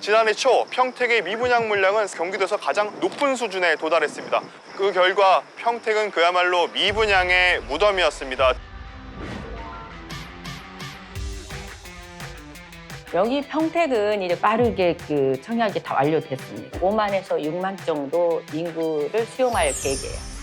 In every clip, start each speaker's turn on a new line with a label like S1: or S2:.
S1: 지난해 초 평택의 미분양 물량은 경기도에서 가장 높은 수준에 도달했습니다. 그 결과 평택은 그야말로 미분양의 무덤이었습니다.
S2: 여기 평택은 이제 빠르게 청약이 다 완료됐습니다. 5만에서 6만 정도 인구를 수용할 계획이에요.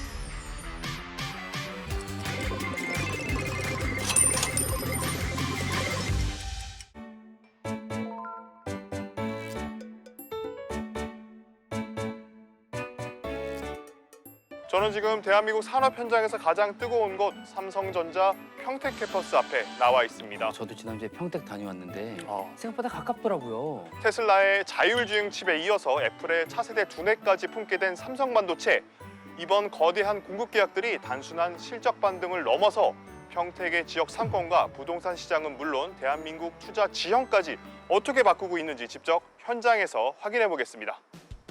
S1: 저는 지금 대한민국 산업 현장에서 가장 뜨거운 곳 삼성전자 평택 캠퍼스 앞에 나와 있습니다.
S3: 저도 지난주에 평택 다녀왔는데
S1: 어.
S3: 생각보다 가깝더라고요.
S1: 테슬라의 자율주행 칩에 이어서 애플의 차세대 두뇌까지 품게 된 삼성반도체. 이번 거대한 공급 계약들이 단순한 실적 반등을 넘어서 평택의 지역 상권과 부동산 시장은 물론 대한민국 투자 지형까지 어떻게 바꾸고 있는지 직접 현장에서 확인해 보겠습니다.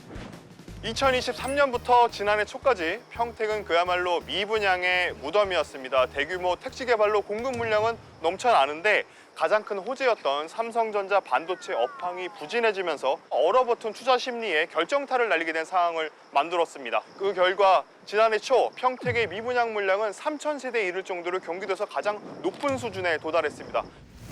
S1: 2023년부터 지난해 초까지 평택은 그야말로 미분양의 무덤이었습니다. 대규모 택지 개발로 공급 물량은 넘쳐나는데 가장 큰 호재였던 삼성전자 반도체 업황이 부진해지면서 얼어붙은 투자 심리에 결정타를 날리게 된 상황을 만들었습니다. 그 결과 지난해 초 평택의 미분양 물량은 3,000세대에 이를 정도로 경기도에서 가장 높은 수준에 도달했습니다.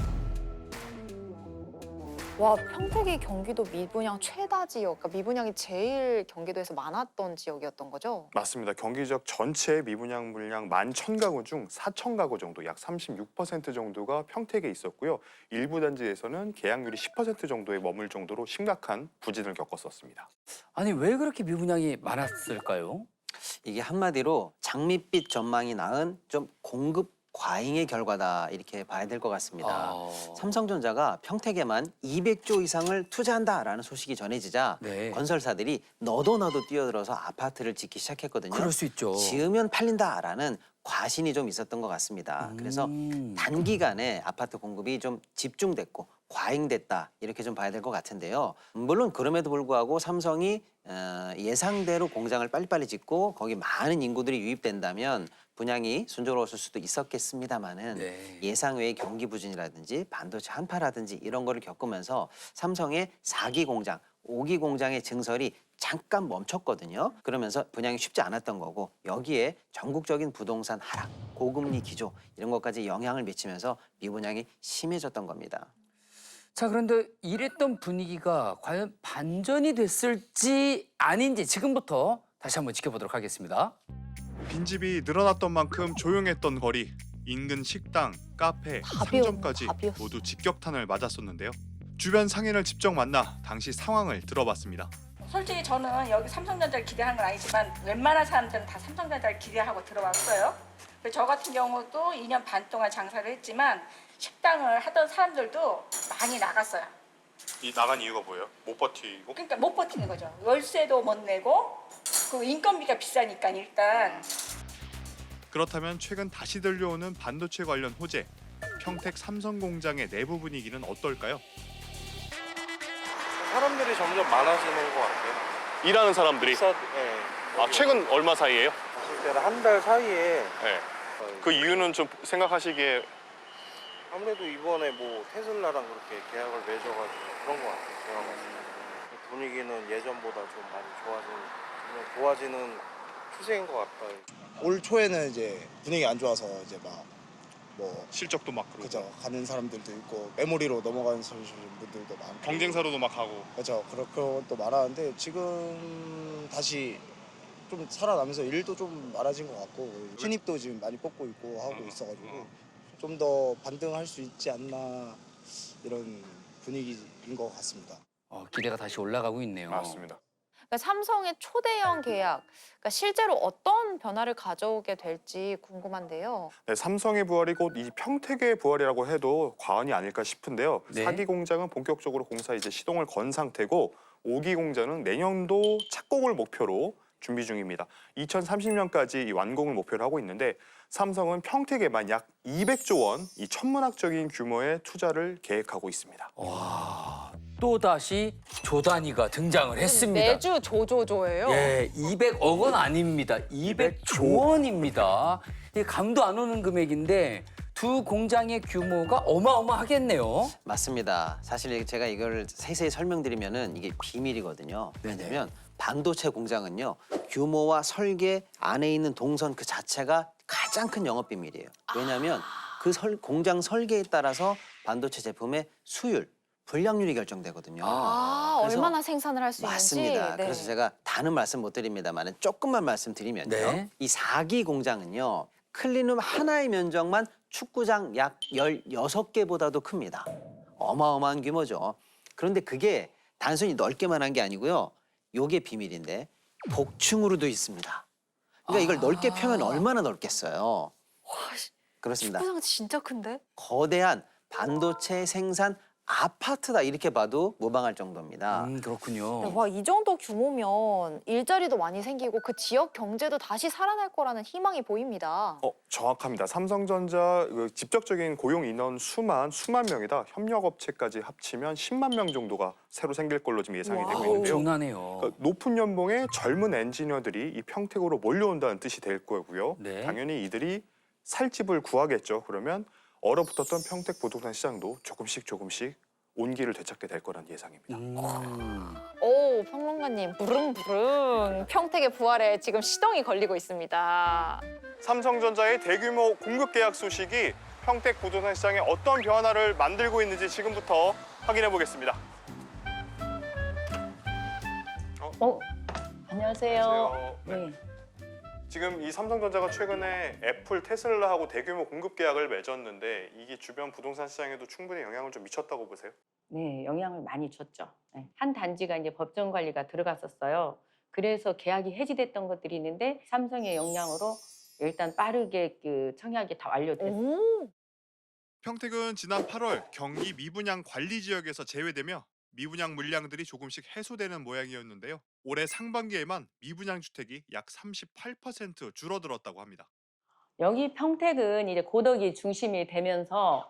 S4: 와, 평택이 경기도 미분양 최다 지역, 그러니까 미분양이 제일 경기도에서 많았던 지역이었던 거죠?
S1: 맞습니다. 경기 지역 전체 미분양 물량 11,000가구 중 4,000가구 정도, 약 36% 정도가 평택에 있었고요. 일부 단지에서는 계약률이 10% 정도에 머물 정도로 심각한 부진을 겪었었습니다.
S3: 아니 왜 그렇게 미분양이 많았을까요?
S5: 이게 한마디로 장밋빛 전망이 낳은 좀 공급 과잉의 결과다 이렇게 봐야 될 것 같습니다. 삼성전자가 평택에만 200조 이상을 투자한다라는 소식이 전해지자
S3: 네.
S5: 건설사들이 너도 뛰어들어서 아파트를 짓기 시작했거든요.
S3: 그럴 수 있죠.
S5: 지으면 팔린다라는 과신이 좀 있었던 것 같습니다. 그래서 단기간에 아파트 공급이 좀 집중됐고 과잉됐다 이렇게 좀 봐야 될 것 같은데요. 물론 그럼에도 불구하고 삼성이 예상대로 공장을 빨리빨리 짓고 거기 많은 인구들이 유입된다면 분양이 순조로웠을 수도 있었겠습니다마는
S3: 네.
S5: 예상 외의 경기 부진이라든지 반도체 한파라든지 이런 거를 겪으면서 삼성의 4기 공장, 5기 공장의 증설이 잠깐 멈췄거든요. 그러면서 분양이 쉽지 않았던 거고 여기에 전국적인 부동산 하락, 고금리 기조 이런 것까지 영향을 미치면서 미분양이 심해졌던 겁니다.
S3: 자 그런데 이랬던 분위기가 과연 반전이 됐을지 아닌지 지금부터 다시 한번 지켜보도록 하겠습니다.
S1: 빈집이 늘어났던 만큼 조용했던 거리, 인근 식당, 카페, 상점까지
S4: 답이었어.
S1: 모두 직격탄을 맞았었는데요. 주변 상인을 직접 만나 당시 상황을 들어봤습니다.
S6: 솔직히 저는 여기 삼성전자를 기대한 건 아니지만 웬만한 사람들은 다 삼성전자를 기대하고 들어왔어요. 그래서 저 같은 경우도 2년 반 동안 장사를 했지만 식당을 하던 사람들도 많이 나갔어요.
S1: 이 나간 이유가 뭐예요? 못 버티고?
S6: 그러니까 못 버티는 거죠. 월세도 못 내고 그 인건비가 비싸니까 일단.
S1: 그렇다면 최근 다시 들려오는 반도체 관련 호재, 평택 삼성 공장의 내부 분위기는 어떨까요?
S7: 사람들이 점점 많아지는 것 같아요.
S1: 일하는 사람들이
S7: 네.
S1: 최근 얼마 사이에요?
S7: 봤을 때는 한 달 사이에
S1: 네. 그 이유는 좀 생각하시기에
S7: 아무래도 이번에 뭐 테슬라랑 그렇게 계약을 맺어가지고 그런 것 같아요. 제가 봤을 때 분위기는 예전보다 좀 많이 좋아지는 추세인 것 같아요.
S8: 올 초에는 이제 분위기 안 좋아서 이제 막 뭐
S1: 실적도 막 그러고
S8: 그죠 가는 사람들도 있고 메모리로 넘어가는 분들도 많고
S1: 경쟁사로도 막 하고
S8: 그죠 그런 것도 많았는데 지금 다시 좀 살아나면서 일도 좀 많아진 것 같고 신입도 지금 많이 뽑고 있고 하고 있어가지고 좀 더 반등할 수 있지 않나 이런 분위기인 것 같습니다.
S3: 기대가 다시 올라가고 있네요.
S1: 맞습니다.
S4: 그러니까 삼성의 초대형 계약, 그러니까 실제로 어떤 변화를 가져오게 될지 궁금한데요.
S1: 네, 삼성의 부활이 곧 이 평택의 부활이라고 해도 과언이 아닐까 싶은데요.
S3: 네.
S1: 4기 공장은 본격적으로 공사 이제 시동을 건 상태고 5기 공장은 내년도 착공을 목표로 준비 중입니다. 2030년까지 이 완공을 목표로 하고 있는데 삼성은 평택에만 약 200조 원, 이 천문학적인 규모의 투자를 계획하고 있습니다.
S3: 와, 또다시 조 단위가 등장을 했습니다.
S4: 매주 조조조예요.
S3: 예, 200억 원 아닙니다. 200조 원입니다. 이게 감도 안 오는 금액인데 두 공장의 규모가 어마어마하겠네요.
S5: 맞습니다. 사실 제가 이걸 세세히 설명드리면은 이게 비밀이거든요.
S3: 네네.
S5: 왜냐면 반도체 공장은요, 규모와 설계 안에 있는 동선 그 자체가 가장 큰 영업 비밀이에요. 왜냐하면 그 공장 설계에 따라서 반도체 제품의 수율, 불량률이 결정되거든요. 그래서
S4: 얼마나 생산을 할 수 있는지.
S5: 맞습니다.
S4: 네.
S5: 그래서 제가 다는 말씀 못 드립니다만 조금만 말씀드리면요.
S3: 네.
S5: 이 4기 공장은요. 클린룸 하나의 면적만 축구장 약 16개보다도 큽니다. 어마어마한 규모죠. 그런데 그게 단순히 넓게만 한 게 아니고요. 요게 비밀인데 복층으로도 있습니다. 그러니까 이걸 넓게 펴면 얼마나 넓겠어요. 그렇습니다.
S4: 축구장 진짜 큰데?
S5: 거대한 반도체 생산 아파트다 이렇게 봐도 무방할 정도입니다.
S3: 그렇군요.
S4: 와, 이 정도 규모면 일자리도 많이 생기고 그 지역 경제도 다시 살아날 거라는 희망이 보입니다.
S1: 정확합니다. 삼성전자 그 직접적인 고용 인원 수만 명이다. 협력업체까지 합치면 10만 명 정도가 새로 생길 걸로 지금 예상이 되고 있는데요.
S3: 엄청나네요.
S1: 그러니까 높은 연봉의 젊은 엔지니어들이 이 평택으로 몰려온다는 뜻이 될 거고요.
S3: 네.
S1: 당연히 이들이 살 집을 구하겠죠. 그러면 얼어붙었던 평택 부동산 시장도 조금씩 온기를 되찾게 될 거란 예상입니다.
S4: 오, 평론가님 부릉부릉 평택의 부활에 지금 시동이 걸리고 있습니다.
S1: 삼성전자의 대규모 공급 계약 소식이 평택 부동산 시장에 어떤 변화를 만들고 있는지 지금부터 확인해 보겠습니다.
S2: 안녕하세요.
S1: 네. 지금 이 삼성전자가 최근에 애플, 테슬라하고 대규모 공급 계약을 맺었는데 이게 주변 부동산 시장에도 충분히 영향을 좀 미쳤다고 보세요?
S2: 네, 영향을 많이 줬죠. 네. 한 단지가 이제 법정 관리가 들어갔었어요. 그래서 계약이 해지됐던 것들이 있는데 삼성의 영향으로 일단 빠르게 그 청약이 다 완료됐어요.
S4: 오,
S1: 평택은 지난 8월 경기 미분양 관리 지역에서 제외되며 미분양 물량들이 조금씩 해소되는 모양이었는데요. 올해 상반기에만 미분양 주택이 약 38% 줄어들었다고 합니다.
S2: 여기 평택은 이제 고덕이 중심이 되면서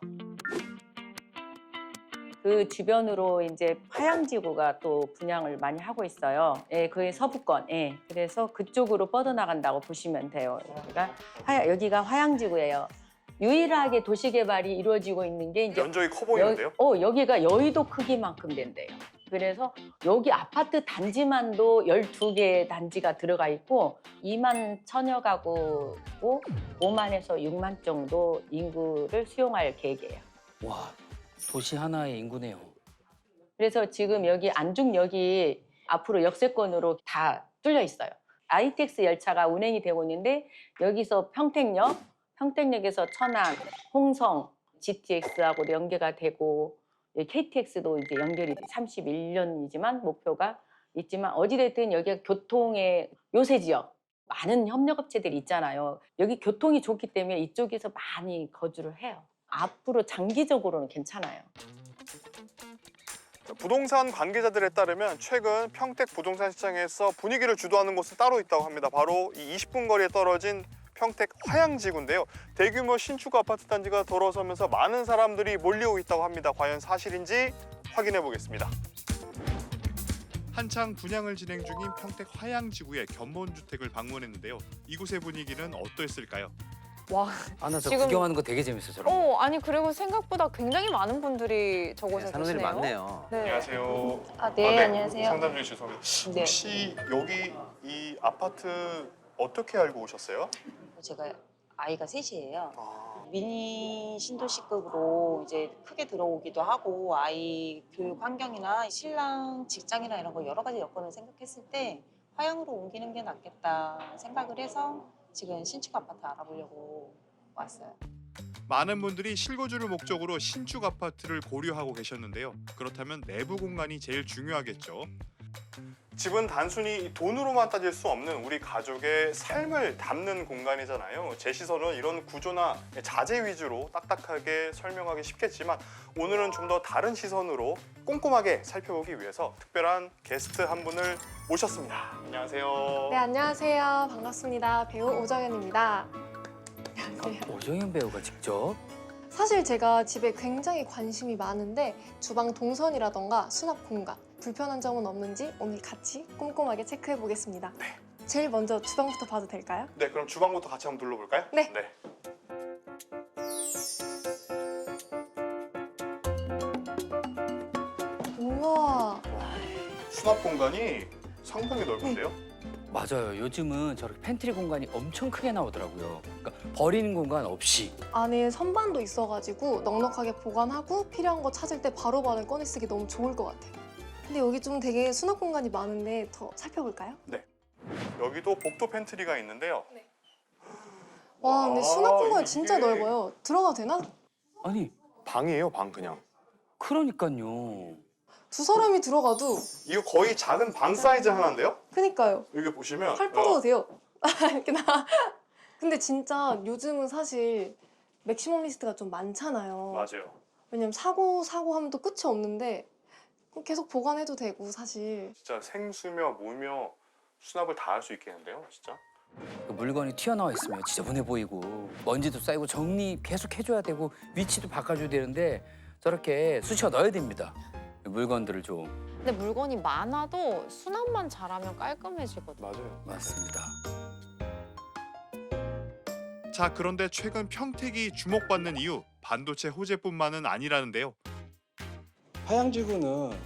S2: 그 주변으로 이제 화양지구가 또 분양을 많이 하고 있어요. 예, 그게 서부권. 예. 그래서 그쪽으로 뻗어나간다고 보시면 돼요. 여기가 화양지구예요. 유일하게 도시개발이 이루어지고 있는 게 이제
S1: 면적이 커 보이는데요?
S2: 여기가 여의도 크기만큼 된대요. 그래서 여기 아파트 단지만도 12개 단지가 들어가 있고 2만 천여 가구고 5만에서 6만 정도 인구를 수용할 계획이에요.
S3: 와, 도시 하나의 인구네요.
S2: 그래서 지금 여기 안중역이 앞으로 역세권으로 다 뚫려 있어요. ITX 열차가 운행이 되고 있는데 여기서 평택역에서 천안, 홍성, GTX하고 연계가 되고 KTX도 이제 연결이 31년이지만 목표가 있지만 어찌됐든 여기가 교통의 요새 지역 많은 협력업체들이 있잖아요. 여기 교통이 좋기 때문에 이쪽에서 많이 거주를 해요. 앞으로 장기적으로는 괜찮아요.
S1: 부동산 관계자들에 따르면 최근 평택 부동산 시장에서 분위기를 주도하는 곳은 따로 있다고 합니다. 바로 이 20분 거리에 떨어진 평택 화양지구인데요. 대규모 신축 아파트 단지가 들어서면서 많은 사람들이 몰려오고 있다고 합니다. 과연 사실인지 확인해 보겠습니다. 한창 분양을 진행 중인 평택 화양지구의 견본주택을 방문했는데요. 이곳의 분위기는 어떠했을까요?
S4: 와,
S3: 아, 나 저
S4: 지금-
S3: 구경하는 거 되게 재밌어, 저런 거.
S4: 아니 그리고 생각보다 굉장히 많은 분들이 저곳에
S5: 네, 사람들이
S4: 계시네요.
S5: 많네요.
S4: 네.
S1: 안녕하세요.
S2: 네, 안녕하세요.
S1: 상담 중에 죄송합니다.
S2: 네.
S1: 혹시 여기 이 아파트 어떻게 알고 오셨어요?
S9: 제가 아이가 셋이에요.
S1: 아,
S9: 미니 신도시급으로 이제 크게 들어오기도 하고 아이 교육 환경이나 신랑 직장이나 이런 거 여러 가지 여건을 생각했을 때 화양으로 옮기는 게 낫겠다 생각을 해서 지금 신축 아파트 알아보려고 왔어요.
S1: 많은 분들이 실거주를 목적으로 신축 아파트를 고려하고 계셨는데요. 그렇다면 내부 공간이 제일 중요하겠죠. 집은 단순히 돈으로만 따질 수 없는 우리 가족의 삶을 담는 공간이잖아요. 제 시선은 이런 구조나 자재 위주로 딱딱하게 설명하기 쉽겠지만 오늘은 좀 더 다른 시선으로 꼼꼼하게 살펴보기 위해서 특별한 게스트 한 분을 모셨습니다. 안녕하세요.
S10: 네, 안녕하세요. 반갑습니다. 배우 오정현입니다.
S3: 오정현 배우가 직접.
S10: 사실 제가 집에 굉장히 관심이 많은데 주방 동선이라던가 수납 공간, 불편한 점은 없는지 오늘 같이 꼼꼼하게 체크해 보겠습니다. 제일 먼저 주방부터 봐도 될까요?
S1: 네, 그럼 주방부터 같이 한번 둘러볼까요?
S10: 네.
S1: 수납 공간이 상당히 넓은데요?
S3: 맞아요. 요즘은 저렇게 팬트리 공간이 엄청 크게 나오더라고요. 그러니까 버리는 공간 없이.
S10: 안에 선반도 있어가지고 넉넉하게 보관하고 필요한 거 찾을 때 바로바로 꺼내 쓰기 너무 좋을 것 같아요. 근데 여기 좀 되게 수납 공간이 많은데 더 살펴볼까요?
S1: 여기도 복도 팬트리가 있는데요.
S10: 와, 근데 수납 공간이
S1: 이게-
S10: 진짜 넓어요. 들어가도 되나?
S3: 아니,
S1: 방이에요, 방 그냥.
S3: 그러니까요.
S10: 두 사람이 들어가도
S1: 이거 거의 작은 방 사이즈 하나인데요?
S10: 그니까요.
S1: 여기 보시면
S10: 팔 뻗어도 돼요. 이렇게 나. 근데 진짜 요즘은 사실 맥시멈 리스트가 좀 많잖아요.
S1: 맞아요.
S10: 왜냐면 사고 하면 또 끝이 없는데 계속 보관해도 되고 사실.
S1: 진짜 생수며 무며 수납을 다 할 수 있겠는데요, 진짜?
S3: 그 물건이 튀어나와 있으면 지저분해 보이고 먼지도 쌓이고 정리 계속 해줘야 되고 위치도 바꿔줘야 되는데 저렇게 쑤셔 넣어야 됩니다. 물건들을 좀.
S4: 근데 물건이 많아도 수납만 잘하면 깔끔해지거든요.
S1: 맞아요.
S3: 맞습니다.
S1: 자, 그런데 최근 평택이 주목받는 이유 반도체 호재뿐만은 아니라는데요.
S11: 화양지구는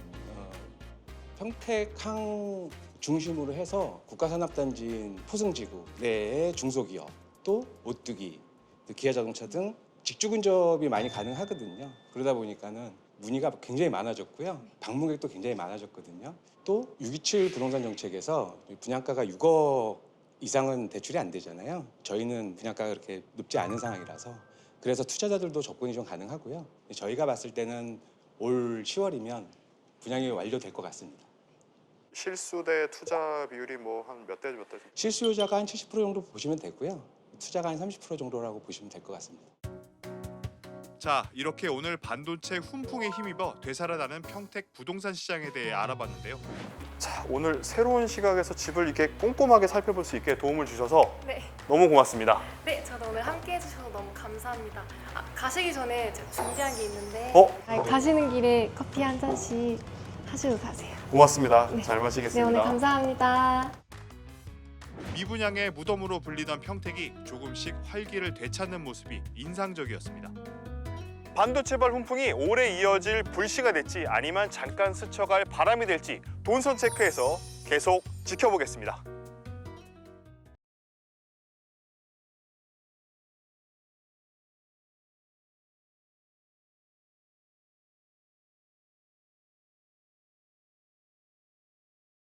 S11: 평택항 중심으로 해서 국가산업단지인 포승지구 내의 중소기업 또 오뚜기, 또 기아자동차 등 직주 근접이 많이 가능하거든요. 그러다 보니까는 문의가 굉장히 많아졌고요. 방문객도 굉장히 많아졌거든요. 또 627 부동산 정책에서 분양가가 6억 이상은 대출이 안 되잖아요. 저희는 분양가가 그렇게 높지 않은 상황이라서 그래서 투자자들도 접근이 좀 가능하고요. 저희가 봤을 때는 올 10월이면 분양이 완료될 것 같습니다.
S1: 실수 대 투자 비율이 뭐 한 몇 대 몇 대?
S11: 실수요자가 한 70% 정도 보시면 되고요. 투자가 한 30% 정도라고 보시면 될 것 같습니다.
S1: 자, 이렇게 오늘 반도체 훈풍에 힘입어 되살아나는 평택 부동산 시장에 대해 알아봤는데요. 자, 오늘 새로운 시각에서 집을 이렇게 꼼꼼하게 살펴볼 수 있게 도움을 주셔서
S10: 네.
S1: 너무 고맙습니다.
S10: 네, 저도 오늘 함께 해주셔서 너무 감사합니다. 가시기 전에 제가 준비한 게 있는데 가시는 길에 커피 한 잔씩 하시고 가세요.
S1: 고맙습니다.
S10: 네.
S1: 잘
S10: 네,
S1: 마시겠습니다.
S10: 오늘 감사합니다.
S1: 미분양의 무덤으로 불리던 평택이 조금씩 활기를 되찾는 모습이 인상적이었습니다. 반도체발 훈풍이 오래 이어질 불씨가 될지 아니면 잠깐 스쳐갈 바람이 될지 돈선 체크에서 계속 지켜보겠습니다.